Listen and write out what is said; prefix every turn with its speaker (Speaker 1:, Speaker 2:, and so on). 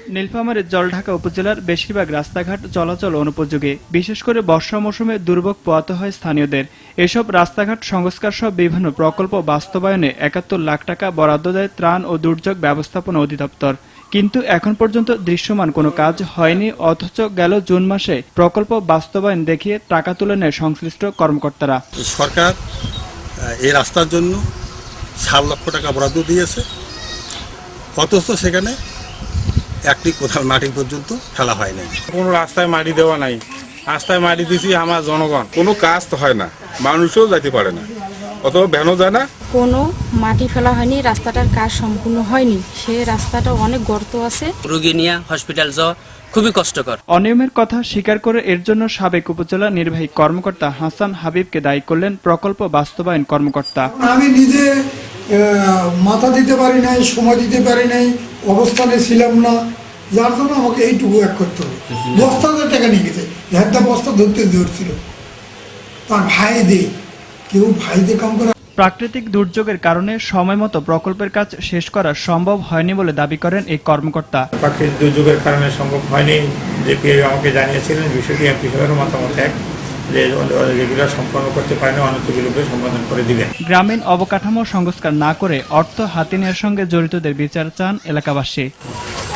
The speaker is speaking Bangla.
Speaker 1: নীলফামারীর জলঢাকা উপজেলার বেশিরভাগ রাস্তাঘাট চলাচল অনুপযোগী। বিশেষ করে বর্ষা মৌসুমে দুর্ভোগ পোহাতে হয় স্থানীয়দের। এসব রাস্তাঘাট সংস্কার সহ বিভিন্ন প্রকল্প বাস্তবায়নে ৭১ লাখ টাকা বরাদ্দ দেয় ত্রাণ ও দুর্যোগ ব্যবস্থাপনা অধিদপ্তর। কিন্তু এখন পর্যন্ত দৃশ্যমান কোনো কাজ হয়নি, অথচ গেল জুন মাসে প্রকল্প বাস্তবায়ন দেখিয়ে টাকা তুলে নেয় সংশ্লিষ্ট কর্মকর্তারা।
Speaker 2: সরকার এই রাস্তার জন্য ৭ লক্ষ টাকা বরাদ্দ দিয়েছে, অথচ সেখানে একটি কোথাও মাটি পর্যন্ত ফেলা হয় নাই।
Speaker 3: কোনো রাস্তায় মাটি দেওয়া নাই, রাস্তায় মাটি দিছি আমার জনগণ।
Speaker 4: কোনো কাজ তো হয় না, মানুষও যাইতে পারে না, অথবা ভ্যানও যায় না।
Speaker 5: কোনো মাটি ফেলা হয়নি, রাস্তাটার কাজ সম্পূর্ণ হয়নি। সেই রাস্তাটা অনেক গর্ত আছে,
Speaker 6: রোগী নিয়ে হসপিটাল যাওয়া খুবই কষ্টকর।
Speaker 1: অনিয়মের কথা স্বীকার করে এর জন্য সাবেক উপজেলা নির্বাহী কর্মকর্তা হাসান হাবিবকে দায়ী করলেন প্রকল্প বাস্তবায়ন কর্মকর্তা।
Speaker 7: আমি নিজে মাথা দিতে পারি নাই, সময় দিতে পারি নাই, অবস্থানে ছিলাম না, যার জন্য আমাকে এইটুকু এক করতে হবে। বস্তাতে টাকা নিয়ে গেছে, একটা বস্তা ধরছিল তার ভাই দিয়ে, কেউ ভাই দিয়ে কাম করে।
Speaker 1: প্রাকৃতিক দুর্যোগের কারণে সময়মতো প্রকল্পের কাজ শেষ করা সম্ভব হয়নি বলে দাবি করেন এই কর্মকর্তা।
Speaker 3: প্রাকৃতিক দুর্যোগের কারণে সম্ভব হয়নি, যে পিএ আমাকে জানিয়েছিলেন। বিষয়টি এমপি সাহেবের মতামত এক, যে যেগুলো সম্পন্ন করতে পারেনি অনতিবিলম্বে সম্পাদন করে দিবেন।
Speaker 1: গ্রামীণ অবকাঠামো সংস্কার না করে অর্থ হাতে নেওয়ার সঙ্গে জড়িতদের বিচার চান এলাকাবাসী।